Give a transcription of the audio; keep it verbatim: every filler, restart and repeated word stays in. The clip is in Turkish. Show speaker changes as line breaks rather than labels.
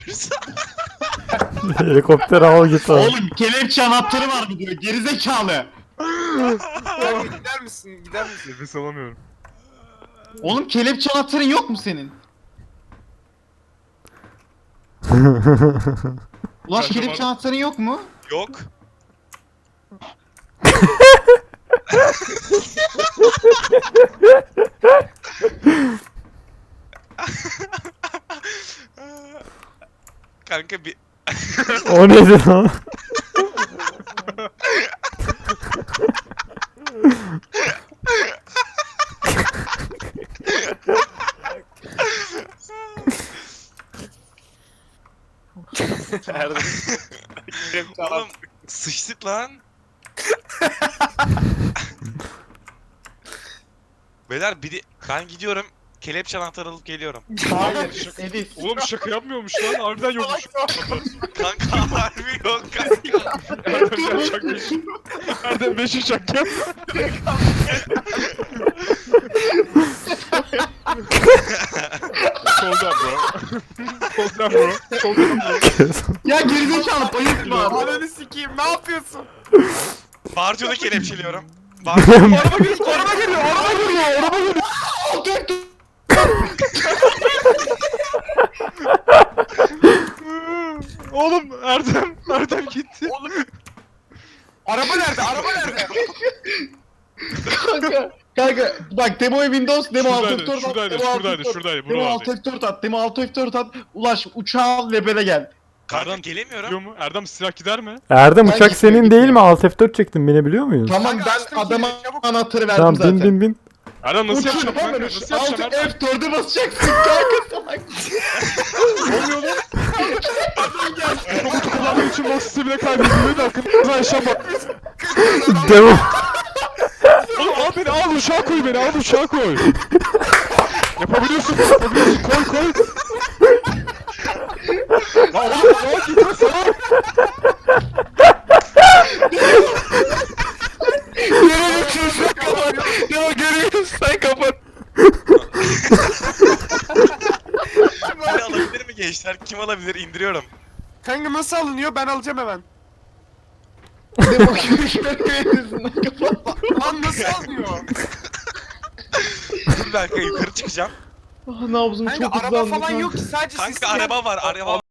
Helikopter al git abi.
Oğlum kelepçe anahtarı var mı diyor gerizekalı.
Kanka gider misin? Gider misin?
Nefes alamıyorum.
Oğlum kelepçe anahtarın yok mu senin? Ulaş
Bende
kelepçe
var.
anahtarın yok mu?
Yok. Kanka bir
O neydi lan?
oğlum sıçtık lan. Beyler biri ben gidiyorum. Kelepçe anahtarı alıp geliyorum.
Hayır. Edis.
Oğlum şaka yapmıyormuş lan. Harbiden yokmuş.
Kanka harbi yok kanka.
Erdem gel şaka yap. Erdem beşi şaka yap. Soldan bro. Soldan bro. Soldan bro.
Ya gerizekalı bayıltma.
Ananı sikeyim, ne yapıyorsun?
Bartio'da kelepçeliyorum. Bartio
Araba geliyor, araba geliyor, araba geliyor, araba geliyor. Oğlum Erdem, Erdem gitti.
Oğlum. Araba nerede? Araba nerede?
Kanka. Kanka bak demo Windows, demo alt
Şuradaydı,
F dört at,
şuradaydı,
demo alt
şuradaydı,
F dört,
şuradaydı,
demo alt
buradaydı.
F dört at, demo alt F dört at, ulaş uçağı al ve böyle gel.
kanka
Erdem
gelemiyorum.
Gidiyor mu? Erdem silah gider mi?
Erdem
Ben
uçak
gitmiyorum,
senin değil
gitmiyorum.
mi? Alt F dört çektin binebiliyor muyuz?
Tamam
Kanka açtım
ben adama
kilidi, çabuk.
anahtarı verdim
Tamam
zaten.
bin bin bin.
Erdem nasıl
Uçuyor
yapacağım
tamam
kanka?
mı?
Nasıl
Alt
yapacağım Erdem?
F dört'e basacaksın kanka salak.
Ne oluyor lan? Robotu kullanmak için bas sistemine kaybedilmeyi de hakkında yaşam bak.
Devam.
Oğlum al beni al uçağa koy beni al uçağa koy. Yapabiliyorsun yapabiliyorsun koy koy. Lan oğlum lan gitme sana.
Yere düşüyorsun kapat. Ya görüyorsun sen kapat.
Beni alabilir mi gençler? Kim alabilir? İndiriyorum.
Kanka nasıl alınıyor? Ben alacağım hemen.
Demo görüşmeyi kapat.
Lan nasıl alınıyor?
Dur bir dakika yukarı çıkacağım.
Ah nabzım
Kanka
çok
araba
hızlandı
falan
kanka.
yok ki, sadece
Kanka
sistem.
araba var araba